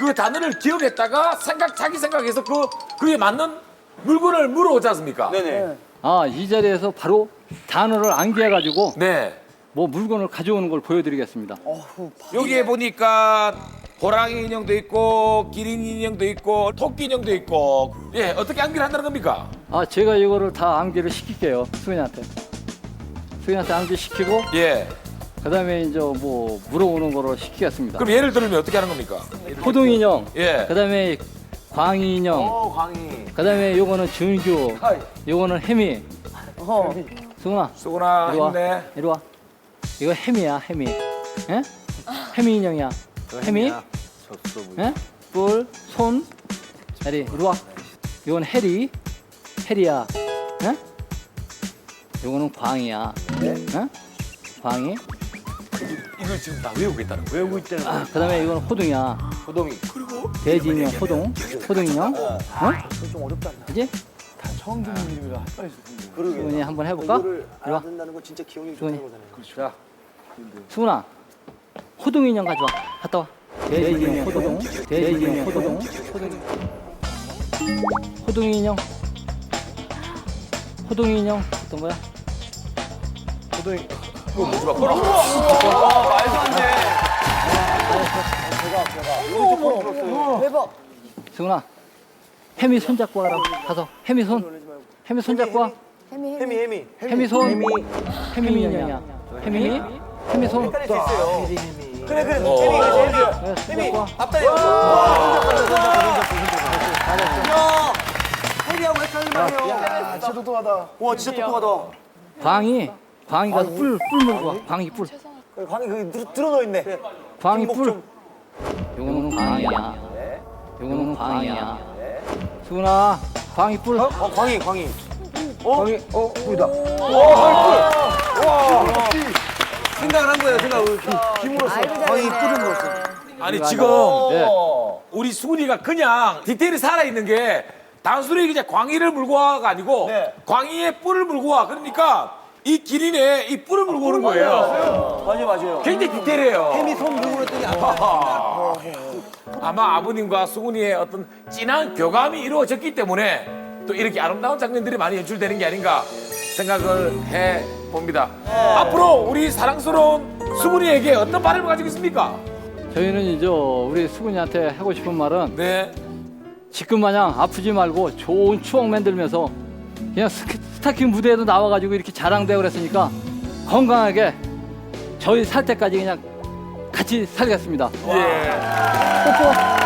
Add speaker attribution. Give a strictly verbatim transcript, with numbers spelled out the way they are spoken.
Speaker 1: 그 단어를 기억했다가 생각 자기 생각해서 그 그에 맞는 물건을 물어오지 않습니까?
Speaker 2: 네네.
Speaker 3: 아, 이 자리에서 바로 단어를 암기해가지고
Speaker 1: 네.
Speaker 3: 뭐 물건을 가져오는 걸 보여드리겠습니다.
Speaker 1: 여기에 보니까 호랑이 인형도 있고 기린 인형도 있고 토끼 인형도 있고 예 어떻게 암기를 한다는 겁니까?
Speaker 3: 아, 제가 이거를 다 암기를 시킬게요. 수근이한테. 수근이한테 암기 시키고
Speaker 1: 예.
Speaker 3: 그다음에 이제 뭐 물어오는 거로 시키겠습니다.
Speaker 1: 그럼 예를 들면 어떻게 하는 겁니까?
Speaker 3: 호동 인형,
Speaker 1: 예.
Speaker 3: 그다음에 광희 인형,
Speaker 2: 어, 광희.
Speaker 3: 그다음에 요거는 준규,
Speaker 2: 하이.
Speaker 3: 요거는 혜미.
Speaker 4: 어.
Speaker 3: 수근아,
Speaker 1: 수고나
Speaker 3: 이리 와.
Speaker 1: 힘내.
Speaker 3: 이리 와. 이거 혜미야, 혜미. 예? 혜미 인형이야. 혜미. 예? 뿔, 손. 해리, 이리 와. 이건 해리. 해리야. 예? 요거는 광희야. 예? 광희.
Speaker 1: 이걸 지금 다 외우고 있다는 거예요.
Speaker 2: 외우고 있다는 거야.
Speaker 3: 아, 그다음에 이건 호동이야.
Speaker 2: 호동이.
Speaker 3: 돼지 인형 호동. 호동 인형. 어?
Speaker 4: 좀 어렵다.
Speaker 3: 그지?
Speaker 4: 다 처음 듣는 이름이라 헷갈렸을 텐데.
Speaker 2: 그러게.
Speaker 3: 수근이 한번 해볼까?
Speaker 2: 이거를
Speaker 3: 이리 와.
Speaker 2: 알아듣는다는 건 진짜 기억력이
Speaker 3: 수근이.
Speaker 2: 좋다는 거잖아요. 그렇죠.
Speaker 1: 자,
Speaker 3: 수근아. 호동 인형 가져와. 갔다 와. 돼지 인형 호동. 돼지 인형 호동. 호동. 호동 인형. 호동 인형 어떤 거야?
Speaker 2: 호동이.
Speaker 1: 그거 뭐지 마. 걸어.
Speaker 2: 와, 말도 안 돼.
Speaker 4: 대박.
Speaker 3: 수근아. 혜미 손 잡고 와라. 가서 혜미 손. 혜미 손 잡고 와.
Speaker 4: 혜미
Speaker 2: 혜미, 혜미.
Speaker 3: 혜미 손.
Speaker 2: 혜미.
Speaker 3: 혜미 인형이야. 혜미. 혜미 손.
Speaker 2: 헷갈릴 수 있어요. 그래, 그래.
Speaker 1: 어.
Speaker 2: 혜미가 제일 좋아.
Speaker 3: 네, 손
Speaker 2: 혜미,
Speaker 3: 잡고 와.
Speaker 2: 앞다리. 와, 야, 혜미하고 헷갈리면
Speaker 4: 야, 진짜 똑똑하다.
Speaker 2: 와, 진짜 똑똑하다.
Speaker 3: 광희. 광희 가서 뿔, 뿔 물고 와. 광희 뿔.
Speaker 2: 그래, 광희 거기 들- 들어넣어 있네.
Speaker 3: 광희
Speaker 2: 뒷목
Speaker 3: 뿔.
Speaker 2: 좀.
Speaker 3: 요거는 광희야. 요거는 광희야. 수근아. 광희 뿔.
Speaker 2: 어, 광희, 광희. 어? 광희, 어, 보이다. 생각을 한 거예요, 생각을. 힘으로써. 광희 뿔을 넣었어.
Speaker 1: 아니 지금
Speaker 3: 네.
Speaker 1: 우리 수근이가 그냥 디테일이 살아 있는 게 단순히 그냥 광희를 물고 와가 아니고
Speaker 2: 네.
Speaker 1: 광희의 뿔을 물고 와. 그러니까 이 기린의 이 뿔을 물고 오는 거예요.
Speaker 2: 맞아요, 맞아요.
Speaker 1: 굉장히 디테일해요.
Speaker 2: 혜미 손 물고 그랬더니 아빠.
Speaker 1: 아마 아버님과 수근이의 어떤 진한 교감이 이루어졌기 때문에 또 이렇게 아름다운 장면들이 많이 연출되는 게 아닌가 생각을 해 봅니다. 앞으로 우리 사랑스러운 수근이에게 어떤 바람을 가지고 있습니까?
Speaker 3: 저희는 이제 우리 수근이한테 하고 싶은 말은
Speaker 1: 네.
Speaker 3: 지금 마냥 아프지 말고 좋은 추억 만들면서 그냥 스키- 스타킹 무대에도 나와가지고 이렇게 자랑되고 그랬으니까 건강하게 저희 살 때까지 그냥 같이 살겠습니다.
Speaker 1: 예.
Speaker 3: 뽀뽀.